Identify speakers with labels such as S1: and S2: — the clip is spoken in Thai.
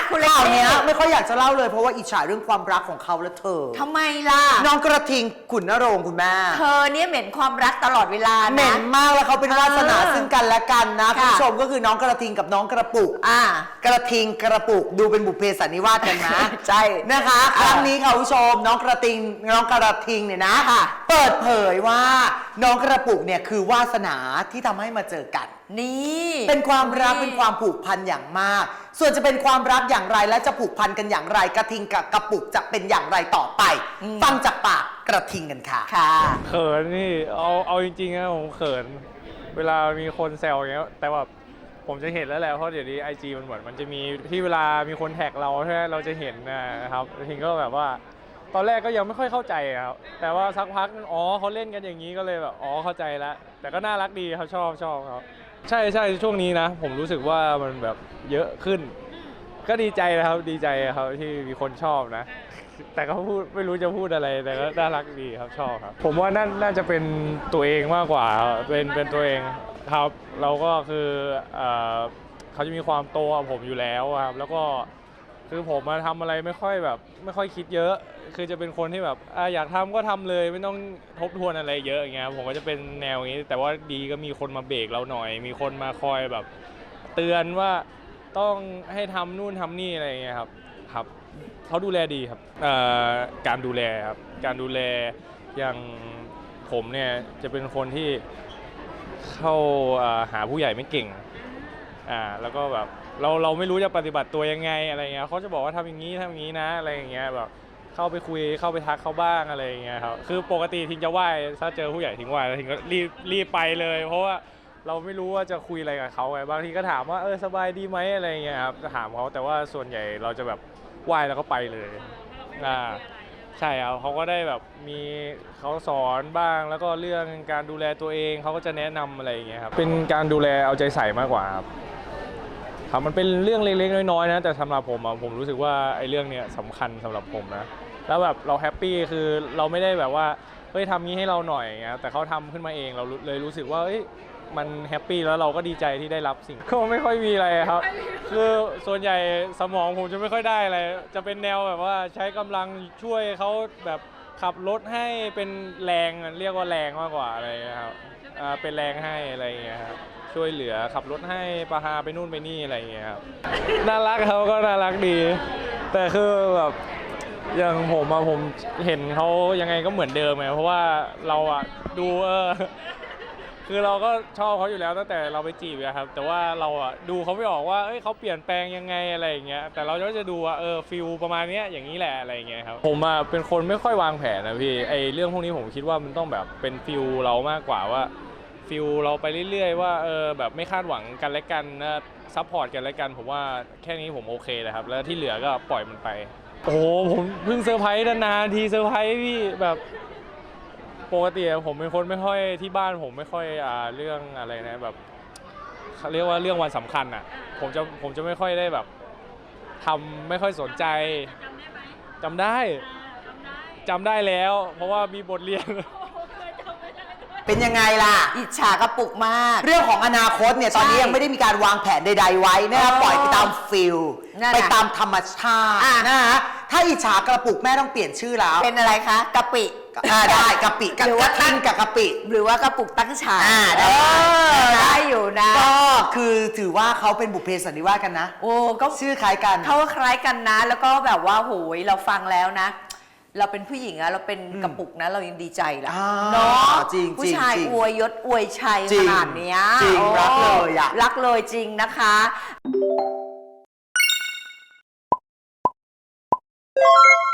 S1: คุณเล็ก
S2: ข่าวนี้ไม่ค่อยอยากจะเล่าเลยเพราะว่าอิจฉาเรื่องความรักของเขาและเธอ
S1: ทำไมล่ะ
S2: น้องกระทิงขุนนรงค์คุณแม่
S1: เธอเนี่ยเหม็นความรักตลอดเวลานะ
S2: เหม็นมากแล้วเขาเป็นวาสนาซึ่งกันและกันนะคุณผู้ชมก็คือน้องกระทิงกับน้องกระปุกกระทิงกระปุกดูเป็นบุพเพสันนิวาสกันนะ
S1: ใช่
S2: นะคะครั้งนี้ค่ะคุณผู้ชมน้องกระทิงเนี่ยนะเปิดเผยว่าน้องกระปุกเนี่ยคือวาสนาที่ทำให้มาเจอกัน
S1: นี่
S2: เป็นความรักเป็นความผูกพันอย่างมากส่วนจะเป็นความรักอย่างไรและจะผูกพันกันอย่างไรกระทิงกับกระปุกจะเป็นอย่างไรต่อไปฟังจากปากกระทิงกันค่ะ
S3: เขินนี่เอาจริงๆนะผมเขินเวลามีคนแซวอย่างเงี้ยแต่ว่าผมจะเห็นแล้วแหละเพราะเดี๋ยวนี้ IG มันเหมือนมันจะมีที่เวลามีคนแท็กเราใช่ไหมเราจะเห็นนะครับกระทิงก็แบบว่าตอนแรกก็ยังไม่ค่อยเข้าใจครับแต่ว่าสักพักอ๋อเขาเล่นกันอย่างนี้ก็เลยแบบอ๋อเข้าใจแล้วแต่ก็น่ารักดีครับชอบครับใช่ช่วงนี้นะผมรู้สึกว่ามันแบบเยอะขึ้นก็ดีใจนะครับดีใจครับที่มีคนชอบนะแต่ก็พูดไม่รู้จะพูดอะไรแต่ก็น่ารักดีครับชอบครับผมว่าน่าจะเป็นตัวเองมากกว่าเป็นตัวเองครับเราก็คือเขาจะมีความโตกว่าผมอยู่แล้วครับแล้วก็คือผมมาทำอะไรไม่ค่อยคิดเยอะคือจะเป็นคนที่แบบอยากทำก็ทำเลยไม่ต้องทบทวนอะไรเยอะอย่างเงี้ยผมก็จะเป็นแนวอย่างนี้แต่ว่าดีก็มีคนมาเบรกเราหน่อยมีคนมาคอยแบบเตือนว่าต้องให้ทำนู่นทำนี่อะไรอย่างเงี้ยครับเขาดูแลดีครับการดูแลครับการดูแลอย่างผมเนี่ยจะเป็นคนที่เข้าหาผู้ใหญ่ไม่เก่งแล้วก็แบบเราไม่รู้จะปฏิบัติตัวยังไงอะไรเงี้ยเขาจะบอกว่าทำอย่างนี้นะอะไรอย่างเงี้ยแบบเข้าไปคุยเข้าไปทักเขาบ้างอะไรอย่างเงี้ยครับคือปกติทิ้งจะไหว้ถ้าเจอผู้ใหญ่ทิ้งไหว้แล้วทิ้งก็รีบไปเลยเพราะว่าเราไม่รู้ว่าจะคุยอะไรกับเขาไงบางทีก็ถามว่าสบายดีไหมอะไรเงี้ยครับจะถามเขาแต่ว่าส่วนใหญ่เราจะแบบไหว้แล้วก็ไปเลยใช่ครับเขาก็ได้แบบมีเขาสอนบ้างแล้วก็เรื่องการดูแลตัวเองเขาก็จะแนะนำอะไรอย่างเงี้ยครับเป็นการดูแลเอาใจใส่มากกว่าครับมันเป็นเรื่องเล็กๆน้อยๆนะแต่สำหรับผมรู้สึกว่าไอ้เรื่องเนี้ยสำคัญสำหรับผมนะแล้วแบบเราแฮปปี้คือเราไม่ได้แบบว่าเฮ้ยทำงี้ให้เราหน่อยอย่างเงี้ยแต่เขาทำขึ้นมาเองเราเลยรู้สึกว่ามันแฮปปี้แล้วเราก็ดีใจที่ได้รับสิ่งก็ไม่ค่อยมีอะไรครับคือส่วนใหญ่สมองผมจะไม่ค่อยได้อะไรจะเป็นแนวแบบว่าใช้กำลังช่วยเขาแบบขับรถให้เป็นแรงเรียกว่าแรงมากกว่าอะไรครับเป็นแรงให้อะไรอย่างเงี้ยครับช่วยเหลือขับรถให้พาไปนู่นไปนี่อะไรอย่างเงี้ยครับน่ารักเขาก็น่ารักดีแต่คือแบบอย่างผมเห็นเขายังไงก็เหมือนเดิมไงเพราะว่าเราดูคือเราก็ชอบเขาอยู่แล้วตั้งแต่เราไปจีบครับแต่ว่าเราดูเขาไม่ออกว่าเขาเปลี่ยนแปลงยังไงอะไรอย่างเงี้ยแต่เราก็จะดูว่าฟิลประมาณนี้อย่างนี้แหละอะไรอย่างเงี้ยครับผมเป็นคนไม่ค่อยวางแผนนะพี่เรื่องพวกนี้ผมคิดว่ามันต้องแบบเป็นฟิลเรามากกว่าว่าฟิลเราไปเรื่อยๆว่าแบบไม่คาดหวังกันและกันนะซัพพอร์ตกันและกันผมว่าแค่นี้ผมโอเคเลยครับแล้วที่เหลือก็ปล่อยมันไปโอ้โหผมเพิ่งเซอร์ไพรส์นานๆทีเซอร์ไพรส์พี่แบบปกติผมเป็นคนไม่ค่อยที่บ้านผมไม่ค่อยเรื่องอะไรนะแบบเรียกว่าเรื่องวันสำคัญผมจะไม่ค่อยได้แบบทำไม่ค่อยสนใจจำได้แล้วเพราะว่ามีบทเรียน
S2: เป็นยังไงล่ะ
S1: อิจฉากระปุกมาก
S2: เรื่องของอนาคตเนี่ยตอนนี้ยังไม่ได้มีการวางแผนใดๆไว้นะครับปล่อยไปตามฟิลไปตามธรรมชาตินะฮะถ้าอิจฉากระปุกแม่ต้องเปลี่ยนชื่อแล้ว
S1: เป็นอะไรคะกะปิ
S2: ได้กะปิหรือว่าท่านกับกะปิ
S1: หรือว่ากระปุกตั้งฉากได้อยู่นะ
S2: ก็คือถือว่าเขาเป็นบุพเพสันนิวาสกันนะ
S1: โอ้ก็
S2: ชื่อคล้ายกัน
S1: เขาคล้ายกันนะแล้วก็แบบว่าโหยเราฟังแล้วนะเราเป็นผู้หญิงเราเป็นกระปุกนะเรายังดีใจแหละ
S2: เนาะ
S1: ผู้ชายอวยยศอวยชัยขนาดนี้
S2: จริงรักเลย
S1: รักเลยจริงนะคะ